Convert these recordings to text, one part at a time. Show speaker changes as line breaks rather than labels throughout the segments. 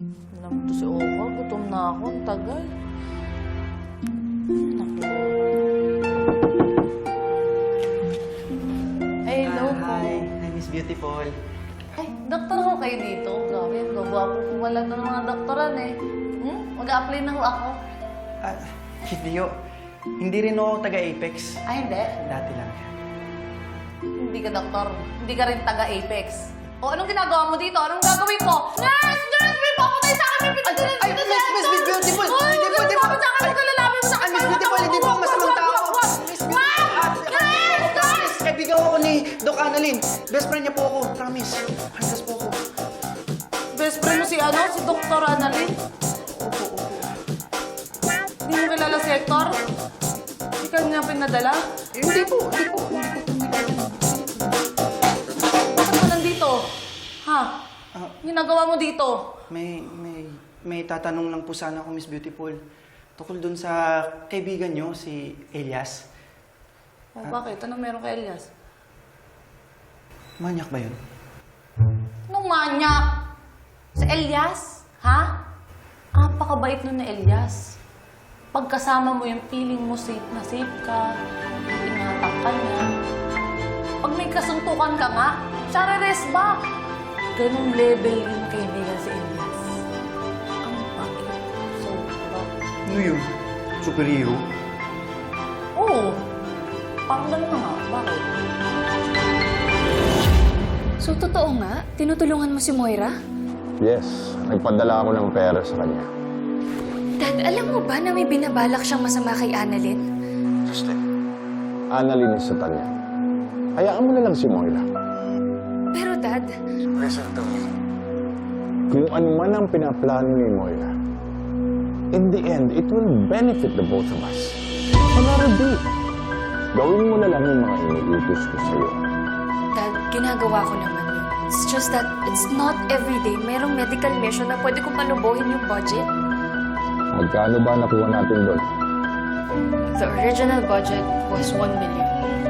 Alam mo to si Oka, gutom na ako. Ang tagal. Naku. Ay, hello po.
Hi, Miss Beautiful.
Ay, doktor ko kayo dito. Grabe, gagwapo po wala na ng mga doktoran eh. Mag-a-apply na ho ako.
Hindi ho. Hindi rin ako taga-Apex.
Ay, hindi.
Dati lang.
Hindi ka doktor. Hindi ka rin taga-Apex. O, anong ginagawa mo dito? Anong gagawin mo? Nurse! Nurse! May papatay sa akin! May pinagdala
Ay,
dito
Miss Beautiful! Hindi po, hindi po!
Sa akin, magkalalapin mo sa akin!
Miss Beautiful, hindi po masamang tao! Miss Promise! Kaibigan ko ni Doc Annalyn. Best friend niya po ako. Promise. Handas po ako.
Best friend mo si ano? Si Dr. Annalyn?
Opo.
Hindi mo kilala si Hector? Hindi ka niya pinadala?
Hindi po.
Bakit ka nandito? Ha? Ginagawa mo dito?
May tatanong lang po sana ako, Miss Beautiful. Tukol dun sa kaibigan niyo, si Elias.
Bakit? Anong meron kay Elias?
Manyak ba yun?
Anong manyak? Si Elias? Ha? Napakabait nun ni Elias. Pagkasama mo yung feeling mo safe na safe ka, ingatan ka niya. Pag may kasuntukan ka nga, siya re-rest back. Ganong level yung kaibigan si Elias. Ang pangit. Sobra.
Ano yun? Superhero?
Oo. Parang lang na nga. Bakit?
So, totoo nga? Tinutulungan mo si Moira?
Yes, nagpadala ako ng pera sa kanya.
Dad, alam mo ba na may binabalak siyang masama kay Annalyn?
Justin, Annalyn is satan niya. Hayaan mo na lang si Moira.
Pero Dad,
Listen to me. Kung ano man ang pinaplano ni Moira, in the end, it will benefit the both of us. Pangarap, gawin mo na lang yung mga iniutos ko sa'yo.
Dad, ginagawa ko naman yun. It's just that it's not everyday merong medical mission na pwede kong panubuhin yung budget.
Magkano ba nakuha natin doon?
The original budget was 1 million.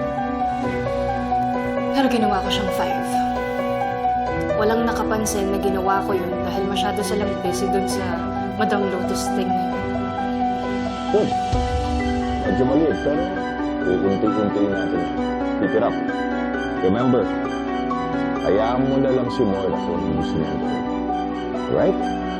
Pero ginawa ko siyang 5. Walang nakapansin na ginawa ko yun dahil masyado silang busy dun sa Madam Lotus thing na yun.
Good. Medyo maliit, pero iunti-unti natin. Keep it up. Remember, hayaan mo na lang si Moira kung gusto niya gawin. Right?